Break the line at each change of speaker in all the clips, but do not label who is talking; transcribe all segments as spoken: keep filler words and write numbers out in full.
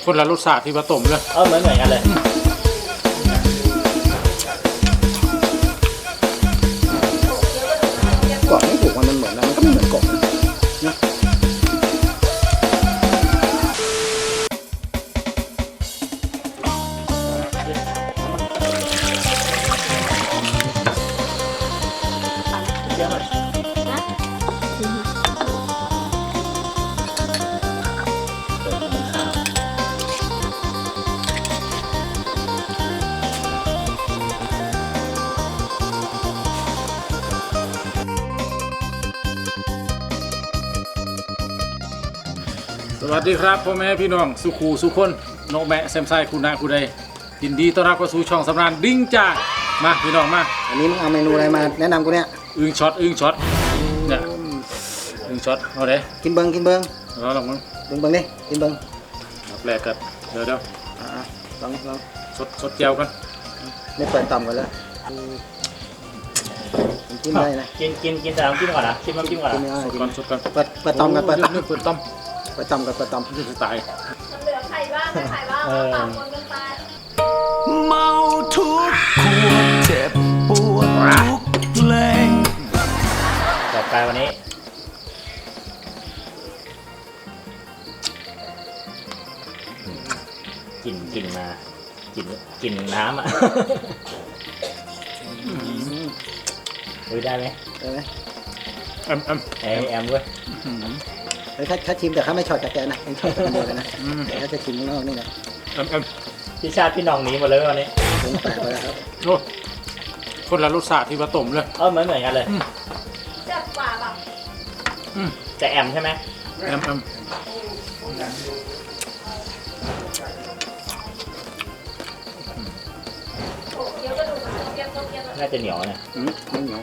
คนละรสชาติที่ผสมเลย
เออเหมือนเหมือนกันเลย
กรอบไม่ถูกมันเหมือนนะมันก็ไม่เหมือนกบนะ
เยอะหน่อย
สวัสดีครับพ่อแม่พี่น้องสุขูสุคนนกแมะแซมไซคุณนาคุณใดยินดีต้อนรับเข้าสู่ช่องสำราญดิ้งจ้ามาพี่น้องมา
อันนี้มึงเอาเมนูอะไรมาแนะนำกูเนี่ย
อึ่งช็อตอึ่งช็อตเนี่ยอึ่งช็อตเอาเลย
กินเบิ้งกินเบิ้ง
เอาลองมั้ง
เบิ้งเบิ้งดิกินเบิ้ง
แปลกกันเดี๋ยวเดี๋ยว
ลองลอง
สดสดเจียวกัน
ไม่เปิดต่ำกันแล้วกินได้นะ
กินกินกินแต่น้ำจิ้มก่อนนะชิมน้ำจิ้มก่อนนะ
สดก่อนสดก่อน
เปิดเปิดต่ำกันเปิดต่ำ
เปิดต่ำ
เปิดต่ำกันเปิดต่ำ
นี่คือตาย
เหลือไข่บ้างไข่บ้างต่างคนกันไป
เมาทุกขวดเจ็บปวดทุกเพลง
ต่อไปวันนี้กินกินมากินกินน้ำอ่ะดูได้ไหม
ได้ไหม
แอมแอม
แอมแอมด้วย
ถ้าถ้าชิมแต่เขาไม่ช็อตจากแกนะเองช็อตคนเดียวเลยนะถ้าจะชิมข้างนอกนี่นะ
แอมแอม
พี่ชาติพี่น้องหนีหมดเลยวันนี้
ผมแปลกไปแล้วครับ
โอ้คนละรสชาติที่ผสมเลย
เออเหมือนเหมือนกันเลย
แซ่บกว่าแบบ
แต่แอมใช่ไหม
แอมแอม
น่าจะเหนียวเนี่ย
อืมไม่เหนียว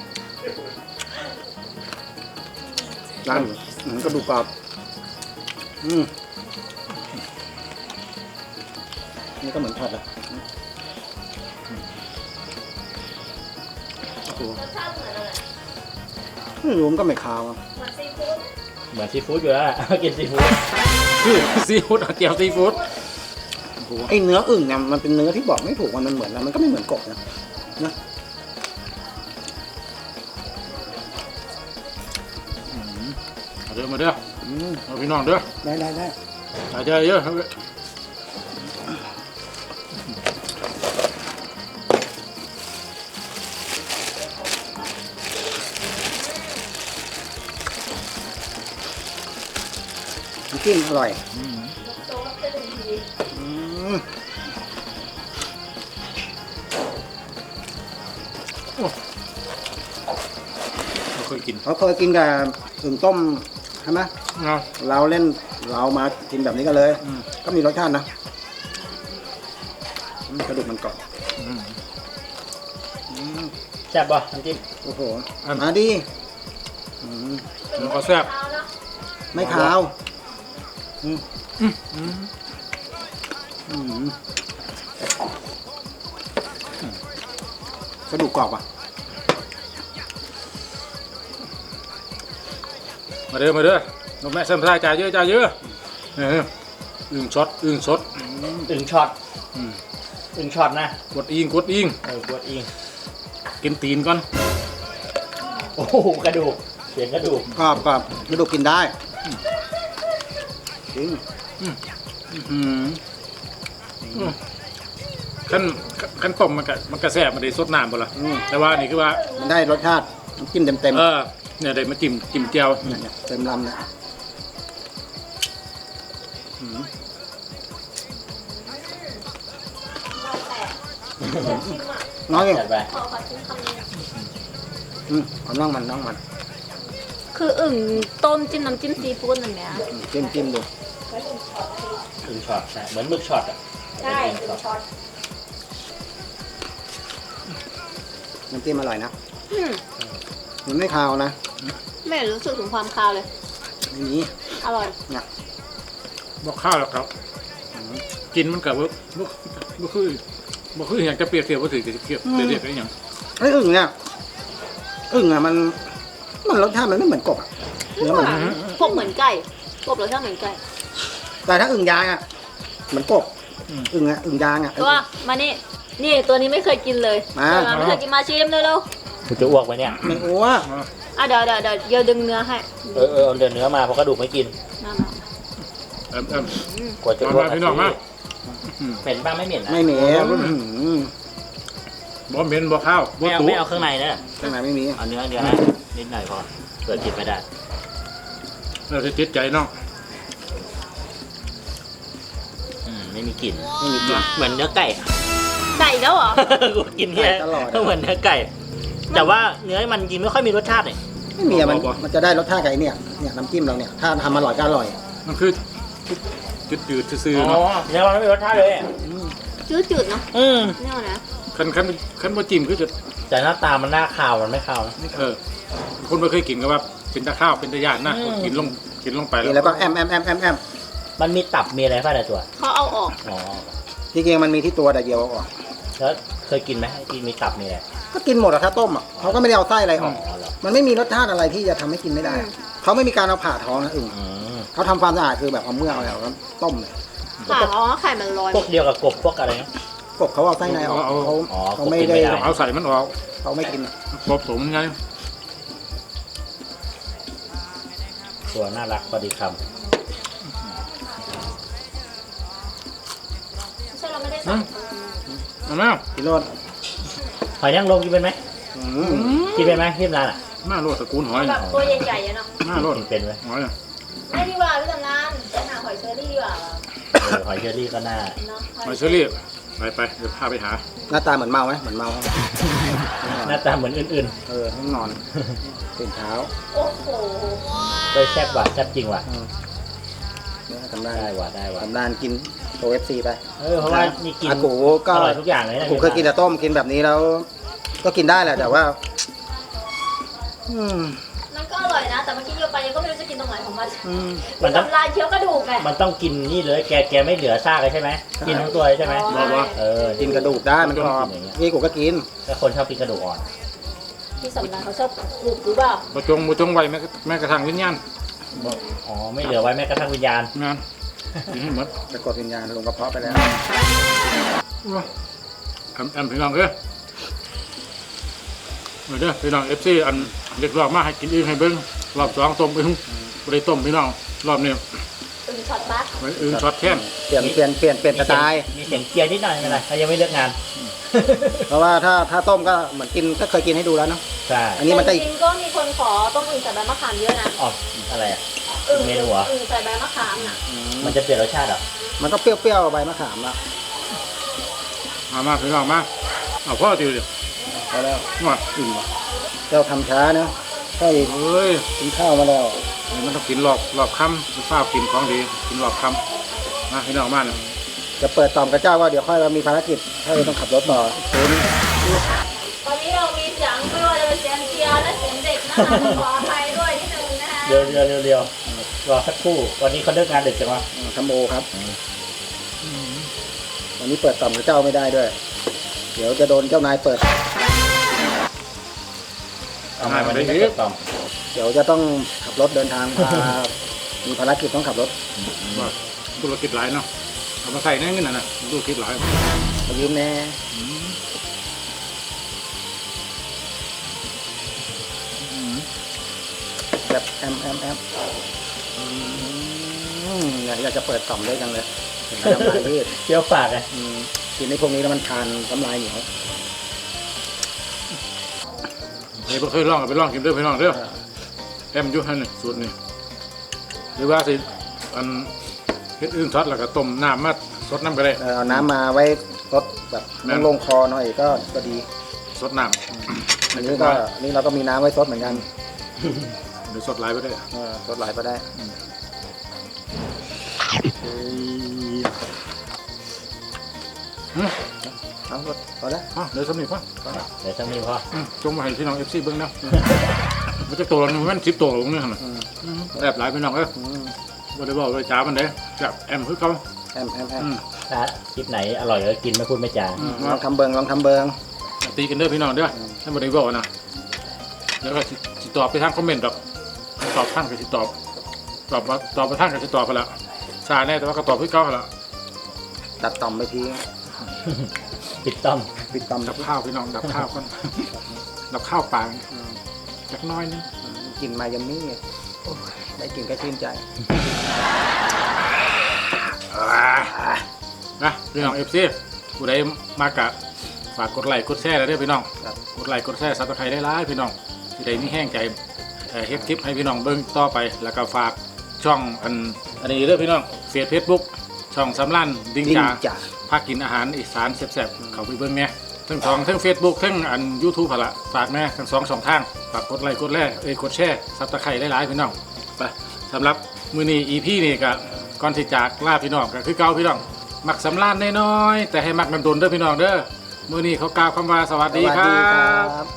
ร้านกระดูกกรอบอืมนี่ก็เหมือนทอดอ่ะ
รสชาติเหมือนอะไร
ไม่รู้มันก็ไม่คาวอ่ะ
เหมือนซีฟู้ด
เหมือนซีฟู้ดอยู่แล้วกินซีฟู้ด
คือซีฟู้ดเจียวซีฟู้ด
ไอเนื้ออึ่งเนี่ยมันเป็นเนื้อที่บอกไม่ถูกมันมันเหมือนนะมันก็ไม่เหมือนกบนะนะ
มาเด้อมาเด้อเอาพี่น้องเด้อ
ได้ได้ได้
อาจจะเยอะ
จิ้มอร่อย
โจ๊กจะถึงที
เราเคยกิน
เขาเคยกินกับอึ่งต้มใช่ไหมเราเล่นเรามากินแบบนี้กันเลยก็มีรสชาตินะกระดูกมันกรอบ
แซ่บป่ะน้ำจิ้ม
โอ้โหมาดิ
มันก็แซ่บ
ไม่ขาวกระดูกกรอบอ่ะ
มาเด้อมาเด้อนกแม่แซมไซจ่ายเยอะจ่ายเยอะอึ่งช็อตอึ่งช็อต
อึ่งช็อตอึ่งช็อตนะ
กดอิงกดอิง
เออกดอิง
กินตีนก่อน
โอ้โหกระดูกเสียงกระดูก
กรอบกรอบกระดูกกินได้จริง
ขั้นขั้นต้มมันก็มันก็แซ่บมันได้สดน้ำบ่ล่ะแต่ว่านี่คือว่า
มันได้รสชาติจิ้มเต็มเต็ม
เออเนี่ยได้มาจิ้มจิ้มเจียว
เต็มลำเลยน้อยเลย
ไป
ขอขอชิมคำนี้
อืมเอาน้องมันน้องมัน
คืออึ่งต้มจิ้มน้ำจิ้มซีฟู้ดอย่างเงี้ย
จิ้มจิ้มดู
อึ่งช็อตเหมือนหมึกช็อตอ่ะ
ใช่อึ่งช็อต
น้ำจิ้มอร่อยนะมันไม่คาวนะ
ไม่รู้สึกถึงความคาวเลย
ไม่มี
อร่อย
นะ
บอกข้าวหรอกครับกินมันกับว่าบ่คือบ่คืออยากจะเปรียบเทียบว่าถือจะเทียบเปรียบเทียบอะไรอย่าง
ไอ้อึ่งเนี่ยอึ่งอ่ะมันมันรสชาติมันไม่เหมือนกบอ่ะเนื้อมัน
พวกเหมือนไก่กบรสชาติเหมือนไก่
แต่ถ้าอึ่งยางอ่ะเหมือนกบอึ่งอ่ะอึ่งยางอ่ะ
ตัวมานี่นี่ตัวนี้ไม่เคยกินเลย
มา
ตัวไม่เคยกินมาชิมเร็ว
กูจะอ้วกไหมเนี่ย
ไม่อ้วก
ๆอ่ะเดี๋ยวเดี๋ยวเดี๋ยวเดี๋ยวดึงเนื้อให้
เออเออเอาเดินเนื้อมาเพราะกระดูกไม่กิน
มามา
เอ็มเอ็ม
กว่าจะ
มา
อ้วก
มาพี่น้องมา
เหม็นบ้างไม่เหม็นนะ
ไม่เหม็น
บ่เหม็นบ่ข้าวบ่
ไม่เอา
ตุ
ไม่เอาเครื่องในนะ
ข้างในไม่มี
เอาเนื้อเดียวนะนิดหน่อยพอเกิดกินไม่ได้
เราจะติดใจน้อง
อืมไม่มีกลิ่น
ไม่มีกลิ่น
เหมือนเนื้อไก่อะ
ไก่แล้วเหรอ
กูกินเนี่ย
ตลอด
เหมือนเนื้อไก่ แต่ว่าเนื้อมันจริงไม่ค่อยมีรสชาติเลย
ไม่มีอะมันมันจะได้รสชาติไก่เนี่ยเนี่ยน้ำจิ้มเราเนี่ยถ้าทำอร่อยก็อร่อย
มันคือจืดๆซื่อๆ
อ๋
เนาะ
อเนื้อมันไม่มีรสชาติเลยอะ
จืดๆเนาะ
อืม
เนี่ยนะ
คันคันคันบ่จิ้มคือจะ
แต่หน้าตามันน่าคาวมันไม่คาวนะ
เออคนบ่เคยกินก็ว่าเป็นตะข้าวเป็นตะย่านนะ
อืม
กินลงกินลงไป
กิน
แล้
แล้ว วก็แอมแอมแอมแอมแอม
มันมีตับมีอะไรป่ะในตัว
เขาเอาออก
อ๋อ
จริงๆมันมีที่ตัวแต่เดียวออก
แล้วเคยกินไหมที่มีตับมีอะไร
ก็กินหมดอะถ้าต้มอะเขาก็ไม่ได้เอาไส้อะไรอ
อ๋
อ
อก เหรอ
มันไม่มีรสชาติอะไรที่จะทำให้กินไม่ได้อะเขาไม่มีการเอาผ่าท้องนะอึ่ง
อืม
เขาทำความสะอาดคือแบบเอาเมือกอะไรออกแล้วต้มเลย
ค่ะอ๋อไข่มันลอย
พวกเดียวกับกบพวกอะไรนะ
กบเขาเอาไส้ในออกเขา
อ๋อ
เขาไม่
กบกินไม่
ได้
ได้
เอาใส่มันออก
เขาไม่กิน
กบผมไง
ตัวน่ารักพอดีค
ใช่เราไม่ได้ใส่
เอาไหม
พี่โรด
ำหอยนางรมกินเป็นไหม
อืม
กินเป็นไหมที่ร้านอ่ะ
หน้าโลดตระกูลหอย
แบบตัวใหญ่ๆอะเนาะ
หน้าโลด
กินเป็นไหม
หอยอะ
ไม่ดีกว่าพี่ตำนานไปหาหอยเชอรี่ดีกว่า
เออหอยเชอรี่ก็น่า
เนาะ
หอยเชอรี่ไปไปเดี๋ยวพาไปหา
หน้าตาเหมือนเมาไหมเหมือนเมา
หน้าตาเหมือนอื่น
เออต้องนอนตื่นเช้า
โอ้โห
ๆเลยแซ่บว่ะแซ่บจริงว่ะ
เนี่ยทำได้
ได้ว่ะได้ว่ะ
ทำได้กินโอเอฟซีไป
เออเพราะว่านี่กิน
อากูก็
อร่อยทุกอย่างเลยนะ
กูเคยกินแต่ต้มกินแบบนี้แล้ว ก็กินได้แหละแต่ว่า อืม
มันก็อร่อยนะ แต่เมื่อกี้โยไปยังก็ไม่รู้จะกินตรงไหนของมัน
อืม
มันต้อง
ทำลายเคี้ยวกระดูกไง
มันต้องกินนี่เลยแกแกไม่เหลือซากเลยใช่ไหมกินทั้งตัวเลยใช่ไหม
อ๋อ
เออ
กินกระดูกได้มันกรอบนี่กูก็กิน
ถ้าคนชอบกินกระดูกอ่อน
พี่สำนักเขาชอบกรุบหรือเปล่า
บ่จงบ่จงไว้แม้แม้กระทั่งวิญญาณ
อ๋อไม่เหลือไว้แม้กระทั่งวิญญาณ
งานกินให้หมด
จะกดวิญญาณลงกระเพาะไปแล้ว
แอมแอมพี่น้องเด้อมาเด้อพี่น้อง เอฟ ซี อันเรียกร้องมาให้กินอีกให้เบิ่งรอบสองต้มอึ่งบ่ได้ต้มพี่น้องรอบนี้
อึ่งช็อตบัส
ไว้อึ่งช็อตแค้น
เปลี่ยนเปลี่ยนเปลี่ยนเปลี่ยนสไตล์
มีเสียงเกียร์นิดหน่อยไม่เป็นไรเขายังไม่เลิกงาน
เพราะว่าถ้าถ้าต้มก็เหมือนกินก็เคยกินให้ดูแล้วเนาะ
ใช่
อันนี้มันก็
จ
อีก
ริงๆก็มีคนขอต้มอึ่งใส่ใบมะขามเยอะนะ
ออกอะไรอ่ะ
อึ่ง
เมนูเหรอ
อึ่งใส่ใบมะขามน่ะ
มันจะเปลี่ยนรสชาติเหรอ
มันก็เปรี้ยวๆใบมะขามแล้ว
มามาพี่น้องมาเอาพ่อติวดิ
พอแล้ว
มา
อิ่มว่ะเจ้าทำช้าเนาะใช่
เอ้ย
กินข้าวมาแล้ว
มันต้องกินรอบรอบค่ำฟ้ากินของดีกินรอบค่ำมาพี่น้องมาเนี่ย
จะเปิดตอมกับเจ้าว่าเดี๋ยวค่อยมีภารกิจถ้าเราต้องขับรถต่อคุณ
ตอนนี้เรามีเสียงไม่ว่าจะเป็นเสียงเชียร์และเสียงเด็กนะคะขออภัยด้วยนิดนึงนะคะ
เร็วเร็วเร็วเร็วรอสักครู่วันนี้เขาเลิกงานดึกจังวะ
ทำโอครับวันนี้เปิดตอมกับเจ้าไม่ได้ด้วย เดี๋ยวจะโดนเจ้านายเปิด
เอามาวันนี้ไม่เกิดต่อม
เดี๋ยวจะต้องขับรถเดินทางพา มีภารกิจต้องขับรถ
ว่าธุรกิจหลายเนาะเอามาใส่ในเงินน่ะนะธุรกิจหลาย
มายืมแน่แบบแอมแอมแอมอืมเนี่ยอยากจะเปิดต่อมด้วยจังเลยเห็นไหมน้ำลายยืด
เปรี้ยวปากไง
อืมกินในพวกนี้แล้วมันทานน้ำลายเหนียว
เฮ้ยบ่เคยลองก็ไปลองกินเด้อพี่น้องเด้อแอมอยู่หั่นนี่สูตรนี่หรือว่าสิอันเฮ็ดอื่นช็อตแล้วก็ต้มน้ำมาสดน้ำก็ได้
เออเอาน้ำมาไว้รดแบบ
นั่น
ลงคอหน่อยก็ก็ดี
สดน้ำ
อันนี้ก็อันนี่เราก็มีน้ำไว้ซดเหมือนกัน
หรือสดหลายไปได้
เออซดหลายก็ได้
อืม
เอาซดพอแล้ว
อ่ะเดี๋ยวสำนีพ่อ
เดี๋ยวจะมีพอ
อืมจงมาให้พี่น้อง เอฟ ซี เบิ่งนะมันจะตัวละหนึ่งมันสิบตัวลงนี่หั่นน่ะ
อืม
อืมแอบหลายพี่น้องเอ้ย
อืม
บ่ได้บอกเลยจ้ามันเด้แบบแอมคือเขา
แอมแอมแอม
อืม
ถ้าคลิปไหนอร่อยก็กินไม่พูดไม่จา
อืม
ลองทำเบิงลองทำเบิง
ตีกันเด้อพี่น้องเด้อให้บ่ได้บอกนะแล้วก็สิสิตอบไปทางคอมเมนต์ดอกตอบทางก็สิตอบตอบว่าตอบไปทางก็สิตอบไปละช้าแน่แต่ว่าก็ตอบคือเก่าหั่นล่ะ
ตัดต่อมไปที
ปิดต้อม
ปิดต่อม
ดับข้าวพี่น้องดับข้าวก่อนดับข้าวปลาจักหน้อยนึง
กลิ่นมายัมมี่โอ้ยได้กลิ่นก็ชื่นใจ
นะพี่น้องเอฟซีผู้ใดมากะฝากกดไลค์กดแชร์แล้วเด้อพี่น้อง
ครับ
กดไลค์กดแชร์ซับสไครต์ได้หลายพี่น้องที่ใดมีแห้งใจเอ่อเฮ็ดคลิปให้พี่น้องเบิ่งต่อไปแล้วก็ฝากช่องอันอันนี้เด้อพี่น้องเฟซเฟซบุ๊กช่องสำรันดิ้ง
ดิ้ง
จ่า
จ่า
พากินอาหารอีสานแซ่บๆเข้าไปเบิ่งแหน่ทั้งสองทั้ง Facebook ทั้งอัน YouTube หั่นล่ะฝากแหน่ทั้งสองช่องทางฝากกดไลค์กดแชร์เอ้ยกดแชร์ซับสไครต์ได้หลายพี่น้องไปสำหรับมื้อนี้ อี พี นี่ก็ก่อนที่จากลาพี่น้องก็คือเก่าพี่น้องมักสำรานน้อยๆแต่ให้มักนำดนเด้อพี่น้องเด้อมื้อนี้เขากล่าวคำว่าสวัส
ส
ดี
วัส
ครั
ดีค
บ
รับ